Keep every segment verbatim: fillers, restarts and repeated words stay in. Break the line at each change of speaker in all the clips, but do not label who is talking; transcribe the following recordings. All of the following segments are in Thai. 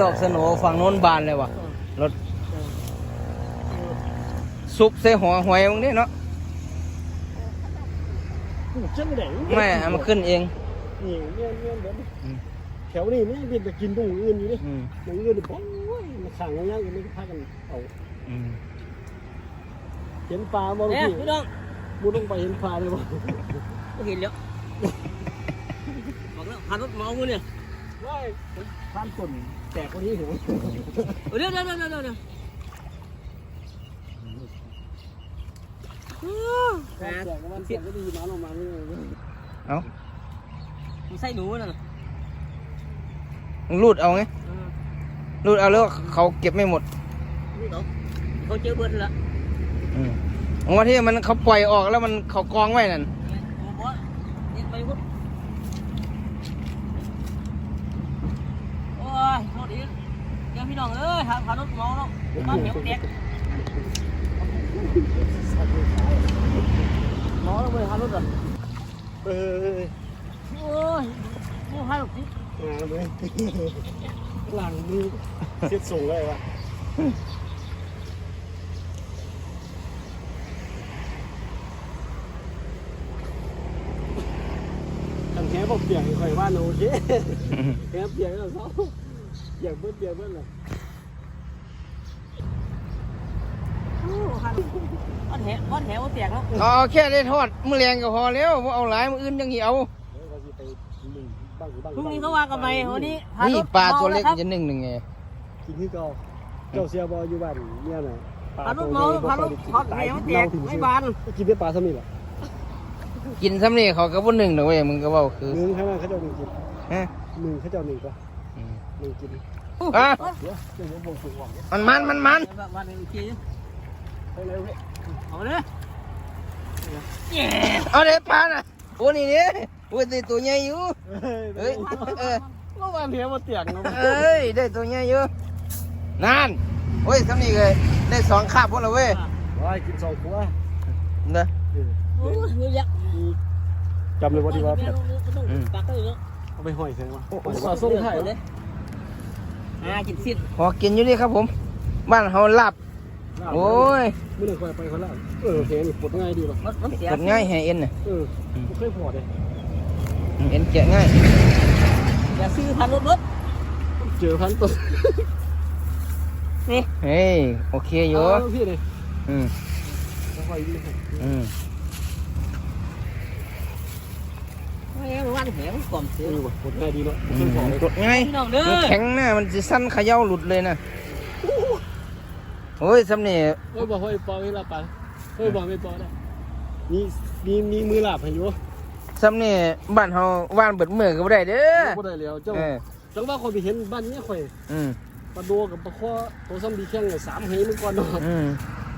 ดอกสโหนฝั่งโน้นบานเลยว่ะรถซุปใส่หัวหวยมึงนี่เนาะ
จังได๋
ไม่เอามาขึ้นเอง
นี่เงี้ยเงี้ยเดี๋ยว
อืม
แถวนี้มันยังเป็นไปกินตรงอื่นอยู่ดิ
อืม
ตรงอื่นนี่โอ้ยมันขังง่ายๆกันนี่พากันเอา
อืม
เห็นปลาบ่
เนี่ย
พี่
พี่น้อง
มุดลงไปเห็นปลาเลยบ่
ไม่เห็นแล้วบอกแล้วพารถเมากูเนี่ย
ว้ายท่านต้นแตกกว่านี้เหรอ
เดี๋ยวเดี๋ยวเดี๋ยวเดี๋ยวเดี๋ยว
แตกก็มันแตกก็ดีน้ำลงมานี่
เอา
มันใส่หนูนั่นน่ะ
มึงรูดเอาไงรูดเอาแล้วเขาเก็บไม่หมด
นี่เขาเขาเจอเบิร์ดแล้ว
อืมวันที่มันเขาปล่อยออกแล้วมันเขากองไว้นั่น
บอสนี่ไปพุทธโอ้ยโทษอีกเดี๋ยวพี่น้องเอ้ยพารถเมาแล้วบ้านเหนียวแตกเมาแล้วไปพารถอ่ะ
เออ
โอ้ยโอ้ยพารถนี่
งานเลยหลังมือเสียดส่งเลยวะทำแค่บอกเปียกค่อยว่าโอเคแค่เปียกแล้วเขาอยากเบิ้ลเปียกเบิ้ลเลย
โอ้พารถบ้านแหบ้านแหว่าแตกแล้ว
เอาแค่ได้ทอดมือแรงก็พอแล้วบ่เอาหลายมืออื่นยังเหี่ยว
พรุ่งนี้เขาว่ากันไปวันนี้
นี่ปลาตัวเล็กจะหนึ่งหนึ่งไง
กินที่เก่าเจ้าเสียบออยู่บ้านเนี่ยน่ะ
พารถเมาพารถพารถแหว่าแตกไม่บาน
กินได้ปลาสมิธหรอ
กินซ้ำนี่เขาก็บ่หนึ่งหรอกเว้ยมึงก็เว้าคือ
หนึ่งข้างหน้าเขาเจ้าหนึ่งกิน
ฮะ
หนึ่งเขาเจ้าหนึ่งปะ
อืม
หนึ่งกิน
อ่ะ
เดี๋ยวเดี๋ยวผมบอกถูกหวัง
มันมันมันมัน
วันนี้กิน
ไปเลยเว้ย
เอาเลยเย้
เอาเด้ปลาน่ะโอ้นี่เนี่ยโอ้ยได้ตัวใหญ่อยู่เฮ้ยเออ
เมื่อวานเนี้ยมาเตียงเนาะ
เอ้ยได้ตัวใหญ่อยู่นั่นโอ้ยซ้ำนี่เลยได้สองคาบพวกเราเว้ย
ว้ายกินสองขวด
เด้อ
โอ้ยเยอะแยะ
จำเลยว่าดีว่า
ปากก็เยอะ
เอาไปห้อยใช่ไหมสอดส่งไทยเลย
อ่ากินสิ้น
พอกินอยู่นี่ครับผม บ้านเฮาลาบโอ้ย
ไม่ได้คอยไปคนละเออเพลงปวดง่ายดีป่ะ
มันมันเสีย
กดง่ายแห่เอ็นน่ะ
เออไม่เคยพอเลย
เอ็นแกะง่าย
อย่าซื้อพันรถรถ
เจอพันตัว
นี่
เฮ้ยโอเคอยู่
พี่เลย
อืม
ค่อยดี
อืม
ไม่วันแหงกล่อมเสี
เอย อว่ะปวดง่ายดีเนาะ
อื
ไม่
ม
เคยพอเลย
กดง่าย
พี่น้องเด้อ
มันแข็งหน้ามันจะสั้นเขย่าหลุดเลยนะโอ้ยซ้ำนี่
เฮ้ยบอกให้ปอให้ลาปะเฮ้ยบอกไม่ปอได้มีมีมีมือหลับให้อยู่
ซ้ำนี่บ้านเฮาว่านเบิดมือก็บ่ได้เด้อ
บ่ได้แล้วเจ้า
เออ
จังว่าคนไปเห็นบ้านนี้ข่อย
อืม
ปลาโดกับปลาข้อตัวซ้ำดีแข้งสามเหมันก่อนเนาะ
อืม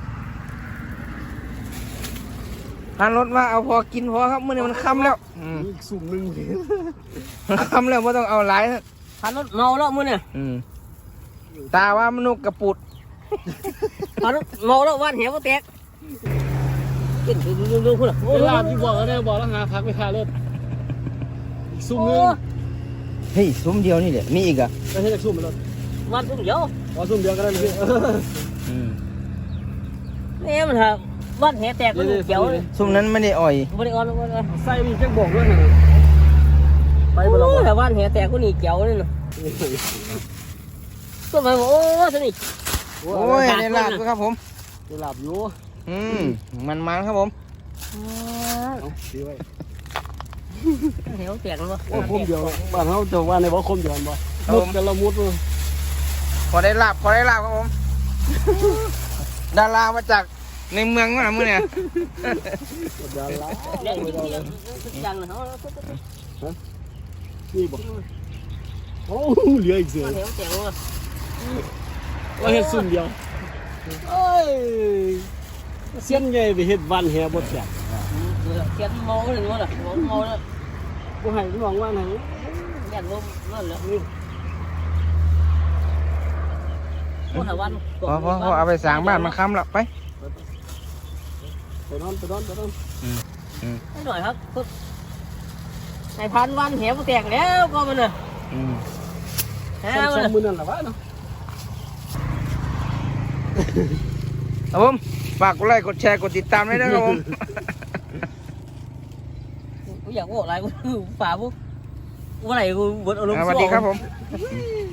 พานรถมาเอาพอกินพอครับมื้อนี้มันค่ำแล้วอืม
อีกสุ่มหนึ่ง
มันค่ำแล้วบ่ต้องเอาหลายนะ
พันรถเมาแล้วมึงเนี่ย
อืมตาว่ามนุษย์กระปุด
พันรถเมาแล้ววันแหงว่าแตกกินดูดูดูคุณอ่ะ
โอ้ลาบที่บอกแล้วเนี่ยบอกแล้วหาพักไปคารถอีกสุ่มหนึ่ง
เฮ้ยซุ้มเดียวนี่แหละมีอีกอ่ะ
ก็ให้จากสุ่มมันเลย
วันทุ่งเดียว
อ๋อสุ่มเดียวก็ได้เลย
อืม
นี่มันฮะวันแหแตกก็เขียว
ซุ้มนั้นไม่ได้อ่อย
บริออนบริออน
ใส่นี่แจ้งบอกด้วยนะไปบ่เรา
โอ้แต่วันแหแตกก็นี่เขียวนี่นะก็มาโอ้สนิท
โอ้ยได้ลาบด้วยครับผม
จะหลับอยู่
อืมมันมันๆครับผม
ดีไว้
แหวแตกแล้ววะ
โอ้คมเดียวบ้านเขาจะว่าในบ่คมเดียวบ่มุดกันละมุดเลย
พอได้ลาบพอได้ลาบครับผม ดารามาจากในเมืองมาเมื่อเนี่ย
เดี๋ยวละ
เล่นกินเดียวจังเลยเขา
นี่บ่โอ้เหลืออีกเสือ
วันแหวแตกแล้ววะ
ว่าเฮ็ดสุ่มเดียวเอ้ยเสียนใหญ่ไปเฮ็ดบ้านแฮบ่แตก
เขียนเมาเลยมั้งล่ะเมาแล้ว
บ่ให้น้องว่าไหน
แย่ลมนั่นแหละคนละวัน
พอพอพอเอาไปสร้างบ้านมันค้ำละไป
ไปนอนไปนอนไปนอน
หน่อยครับในพันวันแหวแตกแล้วก็มันเลย
อืม
ฮะ
ซ้ำๆมือนั่นแหละวะเนาะ
ครับผมฝากกดไลค์กดแชร์กดติดตามด้วยนะครับผม
กูอยากบอกอะไรกูฝ่าปุ๊บวันไหนกูบดอารมณ์
สวัสดีครับผม
ม